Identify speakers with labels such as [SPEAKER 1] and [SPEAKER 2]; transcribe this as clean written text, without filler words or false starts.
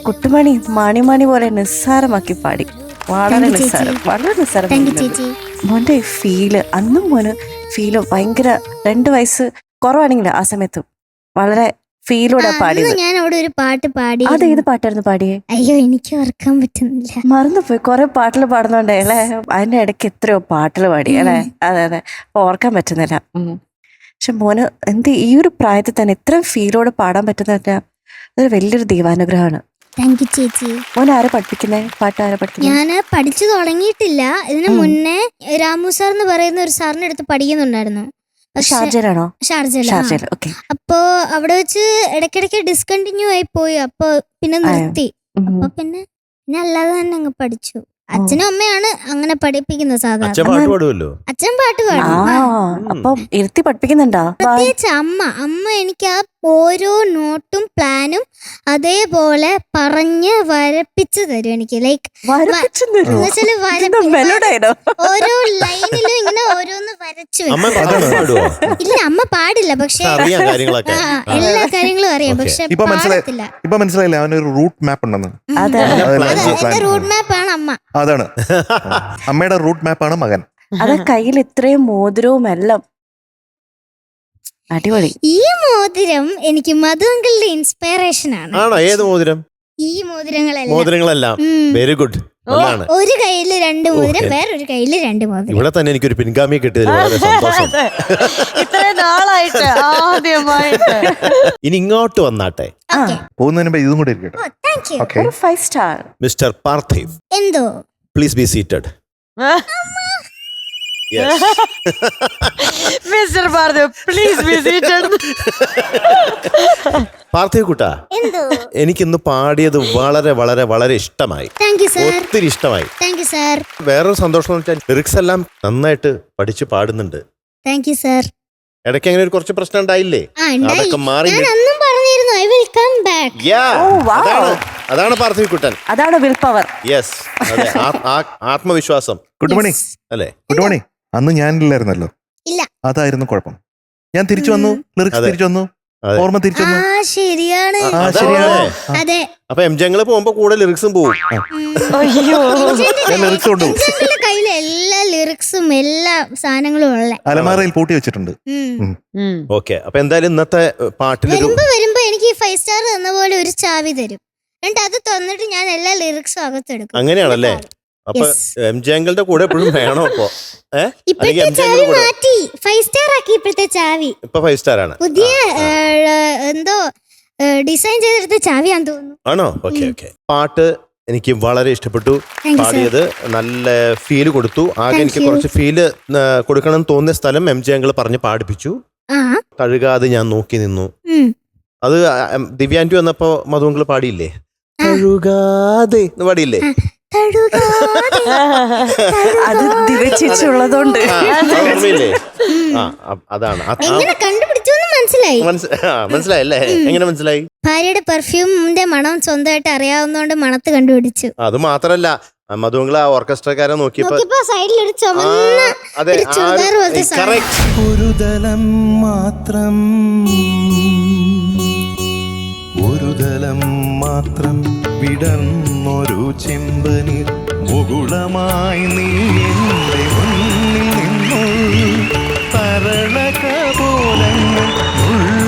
[SPEAKER 1] കുട്ടുമണി മാണിമാണി പോലെ നിസ്സാരമാക്കി പാടി. വളരെ നിസ്സാരം, വളരെ നിസ്സാരം. മോന്റെ ഫീല് അന്നും മോന് ഫീല് ഭയങ്കര 2 വയസ്സ് കുറവാണെങ്കിൽ ആ സമയത്ത് വളരെ ഫീലോടെ പാടിയത്.
[SPEAKER 2] ഞാൻ അവിടെ ഒരു പാട്ട് പാടി.
[SPEAKER 1] അത് ഏത് പാട്ടായിരുന്നു പാടിയേ?
[SPEAKER 2] അയ്യോ എനിക്ക് ഓർക്കാൻ പറ്റുന്നില്ല,
[SPEAKER 1] മറന്നുപോയി. കുറെ പാട്ടുകൾ പാടുന്നുണ്ടേ അല്ലെ, അതിന്റെ ഇടയ്ക്ക് എത്രയോ പാട്ടുകൾ പാടി അല്ലെ. അതെ അതെ, ഓർക്കാൻ പറ്റുന്നില്ല. പക്ഷെ മോന് ഈ ഒരു പ്രായത്തിൽ തന്നെ ഇത്രയും ഫീലോടെ പാടാൻ പറ്റുന്ന അതൊരു വലിയൊരു ദൈവാനുഗ്രഹമാണ്.
[SPEAKER 2] താങ്ക് യു ചേച്ചി.
[SPEAKER 1] മോൻ ആരെ പഠിപ്പിക്കുന്നേ? പാട്ട് ആരെ പഠിപ്പിക്കുന്നത്?
[SPEAKER 2] ഞാൻ പഠിച്ചു തുടങ്ങിയിട്ടില്ല. ഇതിനു മുന്നേ രാമു സാർ എന്ന് പറയുന്ന ഒരു സാറിന്റെ അടുത്ത് പഠിക്കുന്നുണ്ടായിരുന്നു.
[SPEAKER 1] ഷാർജയിലാണോ?
[SPEAKER 2] ഷാർജയിൽ. അപ്പോ അവിടെ വെച്ച് ഇടയ്ക്കിടയ്ക്ക് ഡിസ്കണ്ടിന്യൂ ആയി പോയി. അപ്പൊ പിന്നെ നിർത്തി. അപ്പൊ പിന്നെ അല്ലാതെ തന്നെ അങ്ങ് പഠിച്ചു. അച്ഛനും അമ്മയാണ് അങ്ങനെ പഠിപ്പിക്കുന്നത് സാധാരണ. അച്ഛൻ പാട്ട് പാടും.
[SPEAKER 1] അപ്പൊ ഇരുത്തി പഠിപ്പിക്കുന്നുണ്ടോ?
[SPEAKER 2] പ്രത്യേകിച്ച് അമ്മ എനിക്ക് ആ ഓരോ നോട്ടും പ്ലാനും അതേപോലെ പറഞ്ഞ് വരപ്പിച്ചു തരും എനിക്ക്. ലൈക്ക് ഓരോ ലൈനിലും ഇങ്ങനെ ഓരോന്ന് വരച്ചു വെക്കും. ഇല്ല അമ്മ പാടില്ല, പക്ഷെ എല്ലാ കാര്യങ്ങളും അറിയാം. പക്ഷെ പാടത്തില്ല.
[SPEAKER 3] ഇപ്പൊ മനസ്സിലായില്ല അവനൊരു റൂട്ട് മാപ്പ് ഉണ്ടെന്ന്.
[SPEAKER 2] എന്റെ റൂട്ട് മാപ്പ് ആണ് അമ്മ.
[SPEAKER 3] അതാണ് അമ്മയുടെ റൂട്ട് മാപ്പാണ് മകൻ.
[SPEAKER 1] അത് കയ്യിൽ ഇത്രയും മോതിരവും എല്ലാം അടിപൊളി.
[SPEAKER 2] ഈ മോതിരം എനിക്ക് മധുങ്കളുടെ ഇൻസ്പിറേഷൻ ആണ്.
[SPEAKER 4] ഏത് മോതിരം?
[SPEAKER 2] ഈ
[SPEAKER 4] മോതിരങ്ങളെല്ലാം വെരി ഗുഡ്.
[SPEAKER 2] ഒരു കയ്യില് 2 മോതിരം, വേറൊരു കയ്യില് 2 മോതിരം.
[SPEAKER 4] ഇവിടെ തന്നെ എനിക്കൊരു പിൻഗാമിയെ കിട്ടിയതിൽ വളരെ സന്തോഷം.
[SPEAKER 1] ഇത്രയും നാളായിട്ട് ആദ്യമായിട്ട്.
[SPEAKER 4] ഇനി ഇങ്ങോട്ട് വന്നാട്ടെ,
[SPEAKER 3] പോകുന്നതിന് മുമ്പ് ഇതും കൂടെ ഇരിക്കട്ടെ.
[SPEAKER 1] 5 സ്റ്റാർ
[SPEAKER 4] മിസ്റ്റർ പാർത്ഥിവ്.
[SPEAKER 2] എന്തോ?
[SPEAKER 4] Please be seated.
[SPEAKER 1] Mister Parthiv please be seated.
[SPEAKER 4] Parthiv കുട്ടാ, എനിക്കിന്ന് പാടിയത് വളരെ വളരെ വളരെ ഇഷ്ടമായി, ഒത്തിരി ഇഷ്ടമായി. വേറൊരു സന്തോഷം എന്ന് വെച്ചാൽ ലിറിക്സ് എല്ലാം നന്നായിട്ട് പഠിച്ച് പാടുന്നുണ്ട്. ഇടയ്ക്ക് അങ്ങനെ ഒരു കുറച്ച് പ്രശ്നം ഉണ്ടായില്ലേ? അതൊക്കെ മാറി. അതാണ് പാർത്ഥിവ് കുട്ടൻ,
[SPEAKER 1] അതാണ് വിൽ പവർ.
[SPEAKER 4] യെസ്, അതെ, ആത്മവിശ്വാസം.
[SPEAKER 3] കുട്ടുമണി
[SPEAKER 4] അല്ലേ?
[SPEAKER 3] കുട്ടുമണി, അന്ന് ഞാനില്ലായിരുന്നല്ലോ. അതായിരുന്നു കുഴപ്പം. ഞാൻ തിരിച്ചു വന്നു, ലിറിക്സ് തിരിച്ചു വന്നു, ഓർമ്മ തിരിച്ചു വന്നു.
[SPEAKER 2] ശരിയാണ്.
[SPEAKER 4] അപ്പൊ എംജങ്ങള് പോകുമ്പോ കൂടെ ലിറിക്സും പോകും.
[SPEAKER 3] ലിറിക്സ് കൊണ്ടുപോകും.
[SPEAKER 2] കയ്യിലെ എല്ലാ ലിറിക്സും എല്ലാ സാധനങ്ങളും ഉള്ള
[SPEAKER 3] അലമാറയിൽ പൂട്ടി വെച്ചിട്ടുണ്ട്.
[SPEAKER 4] ഓക്കെ, അപ്പൊ എന്തായാലും ഇന്നത്തെ പാട്ടിൽ
[SPEAKER 2] വരുമ്പോ എനിക്ക് 5 സ്റ്റാർ തന്ന പോലെ ഒരു ചാവി തരും. എന്നിട്ട് അത് തന്നിട്ട് ഞാൻ എല്ലാ ലിറിക്സും അകത്തെടുക്കും.
[SPEAKER 4] അങ്ങനെയാണല്ലേ? അപ്പൊ എംജങ്ങളുടെ കൂടെ എപ്പോഴും വേണോ? അപ്പൊ
[SPEAKER 2] ചാവി മാറ്റി 5 സ്റ്റാർ ആക്കി. ഇപ്പോഴത്തെ ചാവി
[SPEAKER 4] ഇപ്പൊ 5 സ്റ്റാർ ആണ്.
[SPEAKER 2] പുതിയ എന്തോ ഡിസൈൻ ചെയ്തെടുത്ത ചാവിയാന്ന് തോന്നുന്നു.
[SPEAKER 4] ആണോ? Okay okay. പാട്ട് എനിക്ക് വളരെ ഇഷ്ടപ്പെട്ടു. പാടിയത് നല്ല ഫീല് കൊടുത്തു. ആകെ എനിക്ക് കുറച്ച് ഫീല് കൊടുക്കണം തോന്നിയ സ്ഥലം എംജങ്ങൾ പറഞ്ഞ് പാടിപ്പിച്ചു. കഴുകാതെ ഞാൻ നോക്കി നിന്നു. അത് ദിവ്യാൻറ്റി വന്നപ്പോ മധുങ്കൾ പാടിയില്ലേ? കഴുകാതെ പാടിയില്ലേ?
[SPEAKER 1] അത് ദിവച്ചുള്ളതുകൊണ്ട്
[SPEAKER 4] അതാണ്.
[SPEAKER 2] മനസ്സിലായല്ലേ?
[SPEAKER 4] എങ്ങനെ മനസ്സിലായി?
[SPEAKER 2] ഭാര്യയുടെ പെർഫ്യൂമിന്റെ മണം സ്വന്തമായിട്ട് അറിയാവുന്നോണ്ട് മണത്ത് കണ്ടുപിടിച്ചു.
[SPEAKER 4] അത് മാത്രല്ല, മധുങ്കൾ ആ ഓർക്കസ്ട്രക്കാരെ നോക്കിയപ്പോ
[SPEAKER 2] സൈഡിലൊരു
[SPEAKER 5] ഒരുതലം മാത്രം, ഒരുതലം മാത്രം വിടർന്നൊരു ചെമ്പനീർ മുകുളമായി നീ എന്റെ മുന്നിൽ നിന്നു തരളക പോലങ്ങൾ